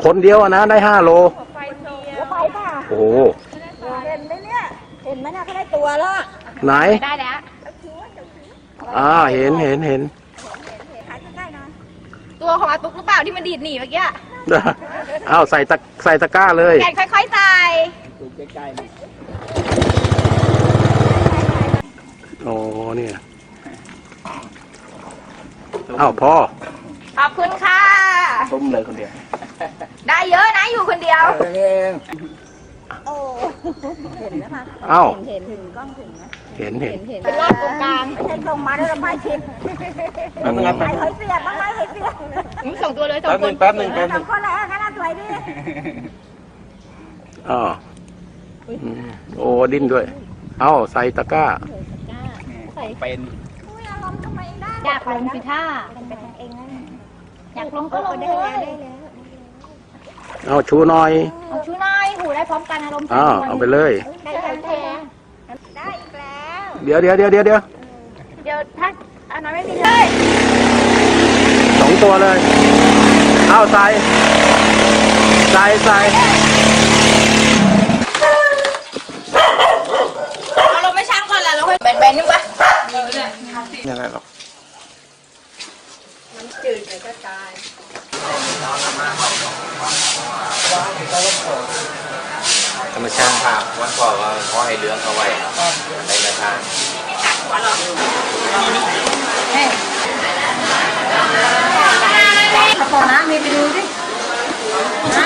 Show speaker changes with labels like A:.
A: คนเดียวนะได้5 โล
B: ไปป่ะ
A: โอ้
B: เห็นไหมเนี่ยเห็นไหมเนี่ยเขาได้ตัวแล้ว
A: ไหน
C: ได้แล้ว
A: เห็น
B: ขายใกล้ๆหน่อย
C: ตัวของอาตุ๊กหรือเปล่าที่มันดีดหนีเมื่อกี้
A: ใส่ตะกร้าเลย
C: แกนค่อยๆใส่
A: โอ้เนี่ยพ่อ
C: ขอบคุณค่ะ
A: ต้มเลยคนเดียว
C: ได้เยอะนะอยู่คนเดียว
B: โอ้เห็นแล้วค่ะ เห็นถึงกล้องถึงนะ
A: เห็น
C: เป็นรอบตรงกลาง
B: ไม่ใช่ส่งมาแล้วเราไม่ชิมใส่หอยเสียบบ้างไหมหอยเสียบ
C: ส่งตัวเลยสองคน
A: แป๊บหนึ่ง
B: สองคนแล้วงั้นสวยดี
A: โอ้ดิ้นด้วยใส่ตะกร้า
D: เป็น
B: อุ้ยอารมณ์ทำไมได้
C: อยากลงสิท่า
B: เป็นเองนะ
C: อยากลงก็ลงเลย
A: ชูหน่อย
C: เอาชูน้อยหูได้พร้อมกันอารมณ์
A: เอาไปเลย
B: ได้อีกแล้ว
A: เดี๋ยว
C: เดี๋ยวถ้าอันนั้นไม่มีเลย
A: 2 ตัวเลยใส่
C: เอาลงไม่ช่างก่อนแล้วค่อยแบนๆนึงปะดีเลย
A: ยังไงหรอก
D: ธรรมชาติครับวันก่อนว่าเขาให้เลี้ยงเอาไว้ในกระถาง
B: ขอน้ำมีไปดูดิ